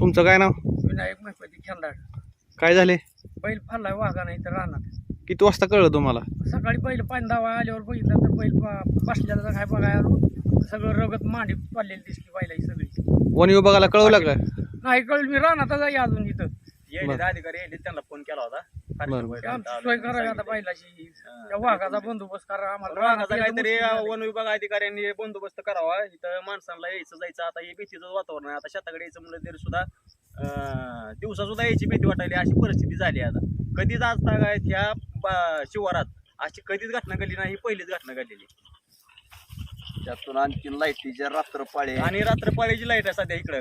तुमचं काय नाव? विनायक महपती खेळणार. काय झाले? बैल फाडलाय वाघा नाही तर राहणार. किती वाजता कळलं तुम्हाला? सकाळी पहिलं पाणी दावा आल्यावर बघितलं तर बैल बसल्याला काय बघाय आलो, सगळं रगत मांडी पडलेली दिसली बैलाची सगळी. वन विभागाला कळवलं का? नाही कळलं, मी राहणार आहे अजून इथं. अधिकारी यायचे त्यांना फोन केला होता. आमची सोय करावी आता बैलाची, त्या वाघाचा बंदोबस्त करा आम्हाला. काहीतरी वन विभाग अधिकाऱ्यांनी बंदोबस्त करावा. इथं माणसांना यायचं जायचं, आता हे भीतीचं वातावरण आहे. आता शेताकडे यायचं म्हणलं तरी सुद्धा दिवसा सुद्धा यायची भीती वाटायली, अशी परिस्थिती झाली. आता कधीच आज तागायत ह्या शिवारात अशी कधीच घटना घडली नाही, ही पहिलीच घटना घडलेली. त्यातून आणखी लाईटीच्या रात्रपाळी आणि रात्रपाळीची लाईट आहे सध्या इकडे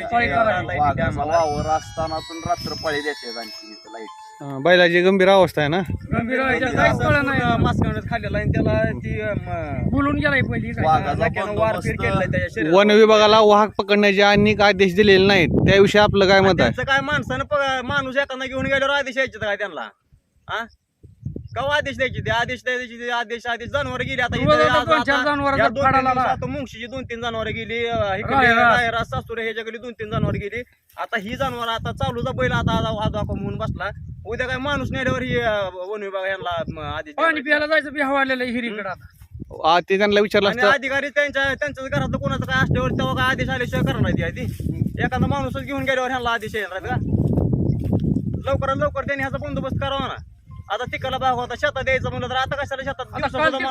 वावर असताना रात्रपाळी देते आणखी इथं लाईट. बैलाची गंभीर अवस्था आहे ना? गंभीर काहीच कळलं नाही. मास्क खाल्लेला आणि त्याला ती बोलून गेलाय पहिली काय. वारपीट केलेला त्याच्या शरीरावर. वन विभागाला वाहक पकडण्याचे अनेक आदेश दिलेले नाहीत, त्याविषयी आपलं काय मत आहे? त्यांचं काय माणसानं माणूस एखादा घेऊन गेल्यावर आदेश यायचे काय त्यांना? हा केव्हा आदेश द्यायचे? ते आदेश द्यायचे, आदेश जनावर गेली. आता मुंगशीची 2-3 जनावर गेली, सासुरे ह्याच्याकडे 2-3 जनावर गेली. आता ही जनावर आता चालूचा बैल आता म्हणून बसला. उद्या काय माणूस नेल्यावर ही वन विभाग यांना आदेश पाणी प्यायला जायचं बी हवालेलं हिरीकडे आता. ते त्यांना विचारलं आणि असतं. अधिकारी त्यांच्याच घरात कोणाचं काय असल्यावर तेव्हा काय आदेश आल्याशिवाय करणार ती आधी. एखादा माणूसच घेऊन गेल्यावर ह्यांना आदेश येणार का? लवकरात लवकर त्यांनी ह्याचा बंदोबस्त करावा ना. आता तिकडला भाग होता, शेतात द्यायचं म्हणलं तर आता कशाला शेतात आता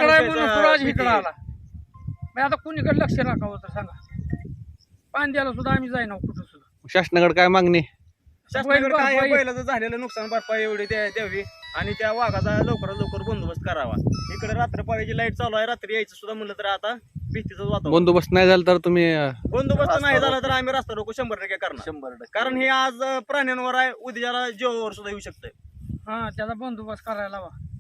कुणीकडे लक्ष राखावं तर सांगा. पाणी द्यायला सुद्धा आम्ही जाईना कुठं सुद्धा. शासनाकडे काय मागणी? शासनाकडे काय बैलाचं झालेलं नुकसान भरपाई एवढी द्यावी आणि त्या वाघाचा लवकरात लवकर बंदोबस्त करावा. इकडे रात्रपाळीची लाईट चालू आहे, रात्री यायचं सुद्धा म्हणलं तर आता भीतीचं वातावरण. बंदोबस्त नाही झाला तर तुम्ही बंदोबस्त नाही झाला तर आम्ही रस्ता रोको 100% करणार. 100%. कारण हे आज प्राण्यांवर आहे, उद्याला जीवावर सुद्धा येऊ शकतंय. हा त्याचा बंदोबस्त करायला हवा.